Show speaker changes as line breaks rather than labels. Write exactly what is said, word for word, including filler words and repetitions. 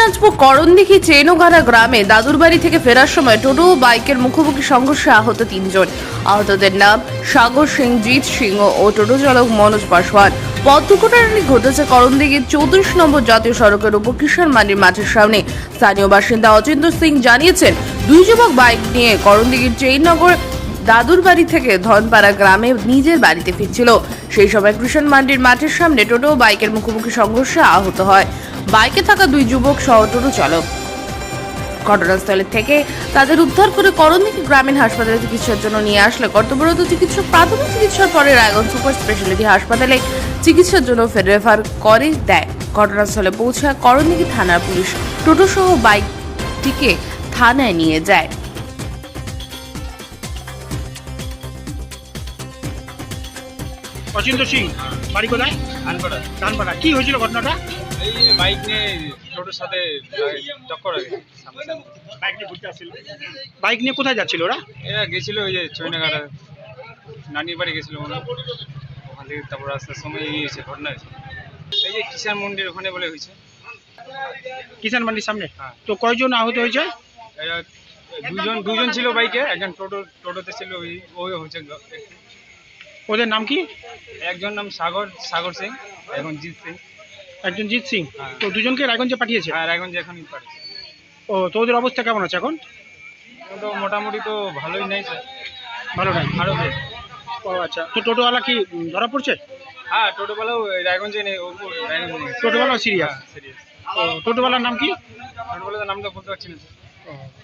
দিনাজপুর করণদিঘি চেনোগাড়া গ্রামে দাদুর বাড়ি থেকে ফেরার সময় টোটো ও বাইকের মুখোমুখি সংঘর্ষে আহত তিনজন। আহতদের নাম সাগর সিং, জিৎ সিং ও টোটো চালক মনোজ পাসওয়ান। পথ দুর্ঘটনাটি ঘটেছে করণদিঘির চৌত্রিশ নম্বর জাতীয় সড়কের উপর কিষাণ মান্ডির মাঠের সামনে। স্থানীয় বাসিন্দা অচিন্ত সিং জানিয়েছেন, দুই যুবক বাইক নিয়ে করণদিঘির চেইননগর দাদুর বাড়ি থেকে ধনপাড়া গ্রামে নিজের বাড়িতে ফিরছিল। সেই সময় কৃষণ মান্ডির মাঠের সামনে টোটো ও বাইকের মুখোমুখি সংঘর্ষে আহত হয় বাইকে থাকা দুই যুবক সহ টোটো চালক। ঘটনাস্থলে থেকে তাদের উদ্ধার করে করণদিঘি গ্রামীণ হাসপাতালে চিকিৎসার জন্য নিয়ে আসলে কর্তব্যরত চিকিৎসক প্রাথমিক চিকিৎসার পরে রায়গঞ্জ সুপার স্পেশালিটি হাসপাতালে চিকিৎসার জন্য রেফার করে দেয়। ঘটনাস্থলে পৌঁছায় করণদিঘি থানার পুলিশ টোটো সহ বাইকটিকে থানায় নিয়ে যায়।
অচিন্ত সিং, বাড়ি কোথায়?
ধানপাড়া।
ধানপাড়া। কি হয়েছিল ঘটনাটা?
এই বাইক নিয়ে টোটোর সাথে টক্কর হয়ে গেছে সামনাসামনি।
বাইক নিয়ে ঘুরতে আসছিল। বাইক নিয়ে কোথায় যাচ্ছিল ওরা?
এরা গেছিল ওই যে চৈনাঘাটা নানির বাড়ি গেছিল মনে হয়। ওখান থেকে তারপর রাস্তার সময় এই হয়েছে, ঘটনা হয়েছে। এই যে কিষাণ মন্দির ওখানে বলে হয়েছে।
কিষাণ মান্ডির সামনে।
হ্যাঁ।
তো কয়জন আহত হয়েছে?
এরা দুজন দুজন ছিল বাইকে, একজন টোটো টোটোতে ছিল, ওই ওই হচ্ছে।
ওদের নাম কি?
একজন নাম সাগর সাগর সিং, এখন জিৎ সিং।
একজন জিৎ সিং।
হ্যাঁ।
তো দুজনকে রায়গঞ্জে পাঠিয়েছে।
আর এখন যে এখনই পারে
ও, তো ওদের অবস্থা কেমন আছে এখন?
তো মোটামুটি তো ভালোই নেই স্যার,
ভালো নাই।
আরও বেশ।
ও আচ্ছা, তো টোটোওয়ালা কি উম, ধরা পড়ছে?
হ্যাঁ, টোটোবেলাও রায়গঞ্জে নেই, ও রায়গঞ্জে নেই।
টোটোওয়ালা সিরিয়াস।
সিরিয়াস।
ও, টোটোওয়ালার নাম কি?
টোটোবেলার নামটা বলতে পারছি না স্যার।
ও।